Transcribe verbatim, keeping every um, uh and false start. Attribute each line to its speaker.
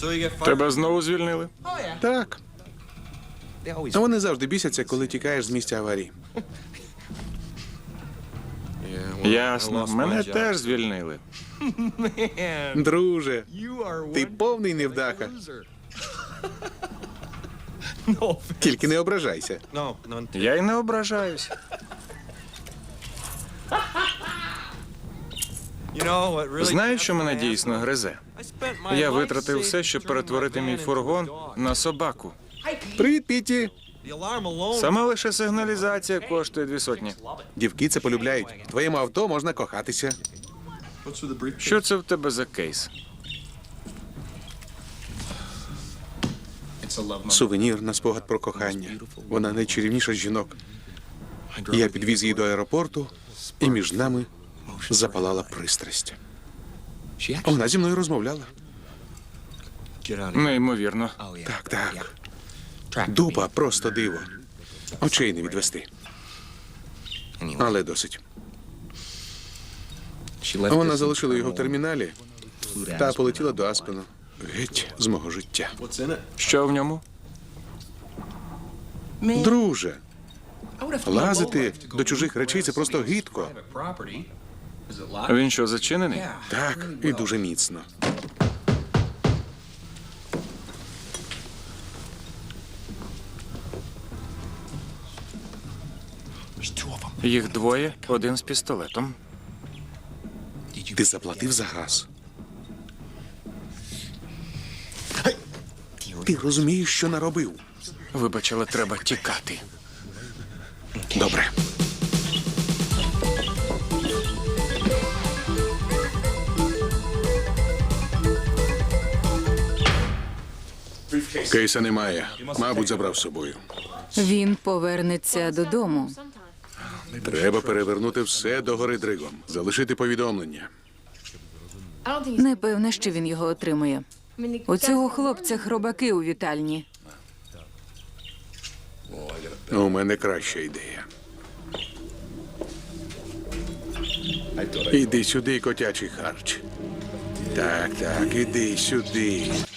Speaker 1: Тебе знову звільнили?
Speaker 2: Так. А вони завжди бісяться, коли тікаєш з місця аварії.
Speaker 1: Ясно. Мене теж звільнили.
Speaker 2: Друже, ти повний невдаха. Тільки не ображайся.
Speaker 1: Я й не ображаюсь. Знаєш, що мене дійсно гризе? Я витратив все, щоб перетворити мій фургон на собаку.
Speaker 2: Привіт, Піті.
Speaker 1: Сама лише сигналізація коштує дві сотні.
Speaker 2: Дівки це полюбляють. В твоєму авто можна кохатися.
Speaker 1: Що це в тебе за кейс?
Speaker 2: Сувенір на спогад про кохання. Вона найчарівніша з жінок. Я підвіз її до аеропорту, і між нами запалала пристрасть. Вона зі мною розмовляла.
Speaker 1: Неймовірно.
Speaker 2: Так, так. Дупа просто диво. Очей не відвести. Але досить. Вона залишила його в терміналі та полетіла до Аспену. Геть з мого життя.
Speaker 1: Що в ньому?
Speaker 2: Друже, лазити до чужих речей – це просто гидко.
Speaker 1: Він що, зачинений?
Speaker 2: Так, і дуже міцно.
Speaker 1: Їх двоє, один з пістолетом.
Speaker 2: Ти заплатив за газ? Ти розумієш, що наробив?
Speaker 1: Вибач, але треба тікати.
Speaker 2: Добре. Кейса немає. Мабуть, забрав з собою.
Speaker 3: Він повернеться додому.
Speaker 2: Треба перевернути все догори дригом. Залишити повідомлення.
Speaker 3: Не певне, що він його отримує. У цього хлопця хробаки у вітальні.
Speaker 2: У мене краща ідея. Іди сюди, котячий харч. Так, так, іди сюди.